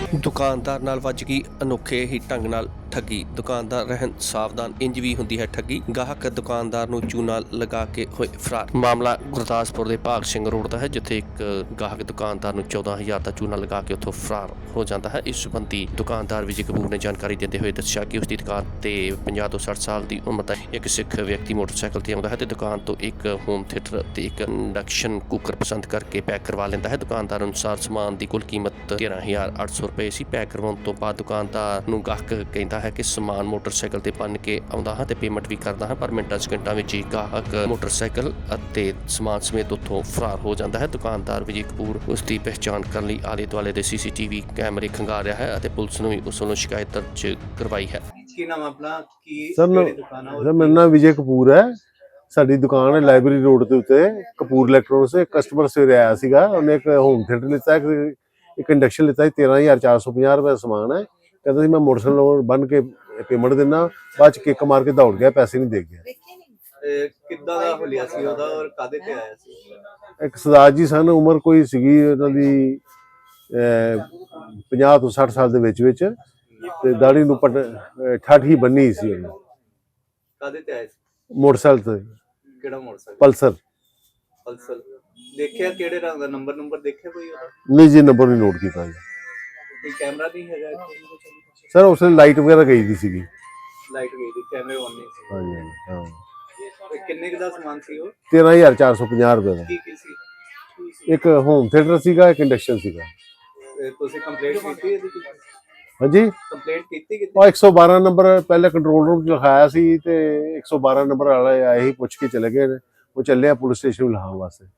ਦੁਕਾਨਦਾਰ ਨਾਲ ਵੱਜ ਗਈ ਅਨੋਖੇ ਹੀ ਢੰਗ ਨਾਲ ਠੱਗੀ। ਦੁਕਾਨਦਾਰ ਰਹਿਣ ਸਾਵਧਾਨ, ਇੰਜ ਵੀ ਹੁੰਦੀ ਹੈ ਠੱਗੀ। ਗਾਹਕ ਦੁਕਾਨਦਾਰ ਨੂੰ ਚੂਨਾ ਲਗਾ ਕੇ ਹੋਏ ਫਰਾਰ। ਮਾਮਲਾ ਗੁਰਦਾਸਪੁਰ ਦੇ ਭਾਗ ਸਿੰਘ ਰੋਡ ਦਾ ਹੈ, ਜਿੱਥੇ ਇੱਕ ਗਾਹਕ ਦੁਕਾਨਦਾਰ ਨੂੰ 14,000 ਦਾ ਚੂਨਾ ਲਗਾ ਕੇ ਉੱਥੋਂ ਫਰਾਰ ਹੋ ਜਾਂਦਾ ਹੈ। ਇਸ ਸੰਬੰਧੀ ਦੁਕਾਨਦਾਰ ਵਿਜੇ ਕਪੂਰ ਨੇ ਜਾਣਕਾਰੀ ਦਿੰਦੇ ਹੋਏ ਦੱਸਿਆ ਕਿ ਉਸ ਦੀ ਦੁਕਾਨ ਤੇ 50 ਤੋਂ 60 ਸਾਲ ਦੀ ਉਮਰ ਦਾ ਇੱਕ ਸਿੱਖ ਵਿਅਕਤੀ ਮੋਟਰਸਾਈਕਲ ਤੇ ਆਉਂਦਾ ਹੈ ਤੇ ਦੁਕਾਨ ਤੋਂ ਇੱਕ ਹੋਮ ਥੀਏਟਰ ਤੇ ਇੱਕ ਇੰਡਕਸ਼ਨ ਕੁੱਕਰ ਪਸੰਦ ਕਰਕੇ ਪੈਕ ਕਰਵਾ ਲੈਂਦਾ ਹੈ। ਦੁਕਾਨਦਾਰ ਅਨੁਸਾਰ ਸਮਾਨ ਦੀ ਕੁੱਲ ਕੀਮਤ 13,800 ਰੁਪਏ ਸੀ। ਪੈਕ ਕਰਵਾਉਣ ਤੋਂ ਬਾਅਦ ਦੁਕਾਨਦਾਰ ਨੂੰ ਗਾਹਕ ਕਹਿੰਦਾ ਹੈ ਕਿ ਸਮਾਨ ਮੋਟਰਸਾਈਕਲ ਤੇ ਬੰਨ ਕੇ ਆਉਂਦਾ ਹਾਂ ਤੇ ਪੇਮੈਂਟ ਵੀ ਕਰਦਾ ਹਾਂ, ਪਰ ਮਿੰਟਾਂ ਸਕਿੰਟਾਂ ਵਿੱਚ ਹੀ ਗਾਹਕ ਮੋਟਰਸਾਈਕਲ ਅਤੇ ਸਮਾਨ ਸਮੇਤ ਉੱਥੋਂ ਫਰਾਰ ਹੋ ਜਾਂਦਾ ਹੈ। ਦੁਕਾਨਦਾਰ ਵਿਜੇ ਕਪੂਰ ਉਸ ਦੀ ਪਹਿਚਾਣ ਕਰਨ ਲਈ ਆਲੇ ਦੁਆਲੇ ਦੇ CCTV ਕੈਮਰੇ ਖੰਗਾਰ ਰਿਹਾ ਹੈ ਅਤੇ ਪੁਲਿਸ ਨੂੰ ਵੀ ਉਸ ਵੱਲੋਂ ਸ਼ਿਕਾਇਤ ਦਰਜ ਕਰਵਾਈ ਹੈ। ਕੀ ਨਾਮ ਆਪਣਾ? ਕੀ ਸਰ ਦੁਕਾਨ ਹੈ? ਮੇਰਾ ਨਾਮ ਵਿਜੇ ਕਪੂਰ ਹੈ। ਸਾਡੀ ਦੁਕਾਨ ਹੈ ਲਾਇਬ੍ਰੇਰੀ ਰੋਡ ਦੇ ਉੱਤੇ, ਕਪੂਰ ਇਲੈਕਟ੍ਰੋਨਿਕਸ। ਇੱਕ ਕਸਟਮਰ ਸਵੇਰੇ ਆਇਆ ਸੀਗਾ, ਉਹਨੇ ਇੱਕ ਹੋਮ ਥੀਏਟਰ ਲਿੱਤਾ, ਇੱਕ ਇੰਡਕਸ਼ਨ ਲਿੱਤਾ ਸੀ। 13,450 ਰੁਪਏ ਦਾ ਸਮਾਨ ਹੈ। ਕਹਿੰਦਾ ਸੀ ਮੈਂ ਮੋਟਰਸਾਈਕਲ ਬੰਨ ਕੇ ਪੇਮੈਂਟ ਦਿੰਦਾ, ਬਾਅਦ ਚ ਕਿੱਕ ਮਾਰ ਕੇ ਦੌੜ ਗਿਆ, ਪੈਸੇ ਨਹੀਂ ਦੇ ਗਿਆ। ਕਿੱਦਾਂ ਦਾ ਹੁਲੀਆ ਸੀ ਉਹਦਾ ਔਰ ਕਾਹਦੇ ਤੇ ਆਇਆ ਸੀ? ਇੱਕ ਸਰਦਾਰ ਜੀ ਸਨ, ਉਮਰ ਕੋਈ ਸੀਗੀ ਉਹਨਾਂ ਦੀ 50 ਤੋਂ 60 ਸਾਲ ਦੇ ਵਿੱਚ ਤੇ ਦਾੜੀ ਨੂੰ ਠੱਠ ਹੀ ਬੰਨੀ ਸੀ ਉਹਨੇ। ਕਾਹਦੇ ਤੇ ਆਇਆ ਸੀ? ਮੋਟਰਸਾਈਕਲ ਤੇ। ਕਿਹੜਾ ਮੋਟਰਸਾਈਕਲ? ਪਲਸਰ। ਪਲਸਰ। ਦੇਖਿਆ ਕਿਹੜੇ ਰੰਗ ਦਾ? ਨੰਬਰ ਦੇਖਿਆ ਕੋਈ ਉਹਦਾ? ਨਹੀਂ ਜੀ, ਨੰਬਰ ਨਹੀਂ ਨੋਟ ਕੀਤਾ ਜੀ। ਕੋਈ ਕੈਮਰਾ ਨਹੀਂ ਹੈਗਾ ਇੱਥੇ? ਸਰ ਉਸ ਵੇਲੇ ਲਾਈਟ ਵਗੈਰਾ ਗਈ ਦੀ ਸੀਗੀ। ਲਾਈਟ ਗਈ ਸੀ, ਕੈਮਰੇ ਆਨ ਨਹੀਂ ਸੀ। ਹਾਂਜੀ ਹਾਂ। ਤੇ ਕਿੰਨੇ ਕੁ ਦਾ ਸਮਾਨ ਸੀ ਉਹ? 13,450 ਰੁਪਏ ਦਾ। ਕੀ ਸੀ? ਇੱਕ ਹੋਮ ਥੀਏਟਰ ਸੀਗਾ, ਇੱਕ ਇੰਡਕਸ਼ਨ ਸੀਗਾ। ਤੁਸੀਂ ਕੰਪਲੇਂਟ ਕੀਤੀ ਇਹਦੀ? ਹਾਂਜੀ, ਕੰਪਲੇਂਟ ਕੀਤੀ ਕਿਤੇ? ਉਹ 112 ਨੰਬਰ ਪਹਿਲੇ ਕੰਟਰੋਲ ਰੂਮ 'ਚ ਲਿਖਾਇਆ ਸੀ ਤੇ 112 ਨੰਬਰ ਵਾਲੇ ਆਏ ਹੀ ਪੁੱਛ ਕੇ ਚਲੇ ਗਏ ਨੇ। ਉਹ ਚੱਲਿਆ ਪੁਲਿਸ ਸਟੇਸ਼ਨ ਲਿਖਾਉਣ ਵਾਸਤੇ।